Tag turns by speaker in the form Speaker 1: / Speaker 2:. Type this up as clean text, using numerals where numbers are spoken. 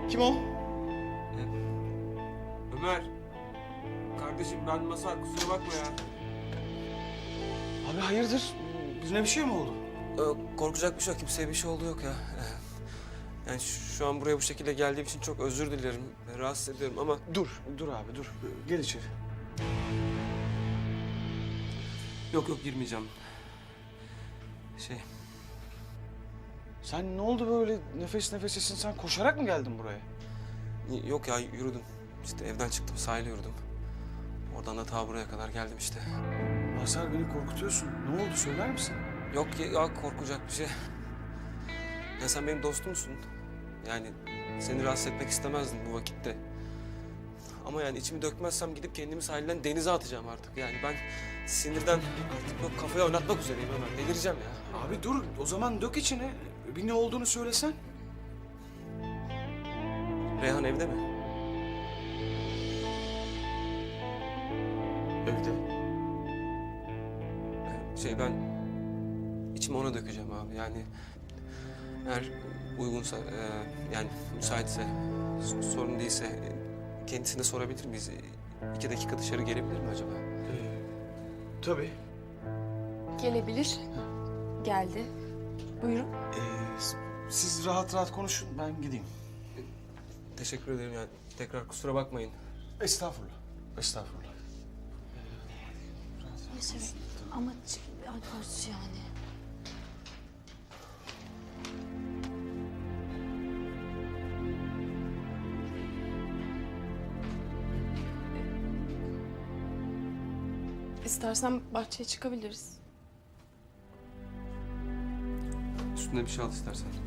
Speaker 1: Kim o?
Speaker 2: Ömer. Kardeşim ben Mazhar, kusura bakma ya.
Speaker 1: Abi hayırdır? Birine bir şey mi oldu?
Speaker 2: Korkacak bir şey yok. Kimseye bir şey oldu yok ya. Yani şu an buraya bu şekilde geldiğim için çok özür dilerim. Rahatsız ediyorum ama...
Speaker 1: Dur abi dur. Gel içeri.
Speaker 2: Yok girmeyeceğim.
Speaker 1: Sen ne oldu böyle nefes nefesesin? Sen koşarak mı geldin buraya?
Speaker 2: Yok ya yürüdüm. İşte evden çıktım, sahile yürüdüm. Oradan da ta buraya kadar geldim işte.
Speaker 1: Mazhar, beni korkutuyorsun. Ne oldu, söyler misin?
Speaker 2: Yok ya korkacak bir şey. Ya sen benim dostumsun. Yani seni rahatsız etmek istemezdim bu vakitte. Ama yani içimi dökmezsem gidip kendimi sahilden denize atacağım artık. Yani ben sinirden artık yok kafayı oynatmak üzereyim Ömer. Delireceğim ya.
Speaker 1: Abi dur, o zaman dök içine. Bir ne olduğunu söylesen.
Speaker 2: Reyhan evde mi?
Speaker 1: Evde.
Speaker 2: Ben içimi ona dökeceğim abi. Yani eğer uygunsa yani müsaitse sorun değilse kendisine sorabilir miyiz? 2 dakika dışarı gelebilir mi acaba?
Speaker 1: Tabii.
Speaker 3: Gelebilir. Geldi. Buyurun.
Speaker 1: Siz rahat rahat konuşun, ben gideyim.
Speaker 2: Teşekkür ederim yani. Tekrar kusura bakmayın.
Speaker 1: Estağfurullah. Estağfurullah.
Speaker 3: Yaşar ama alkolsüz yani. İstersen bahçeye çıkabiliriz.
Speaker 2: Üstüne bir şey al istersen.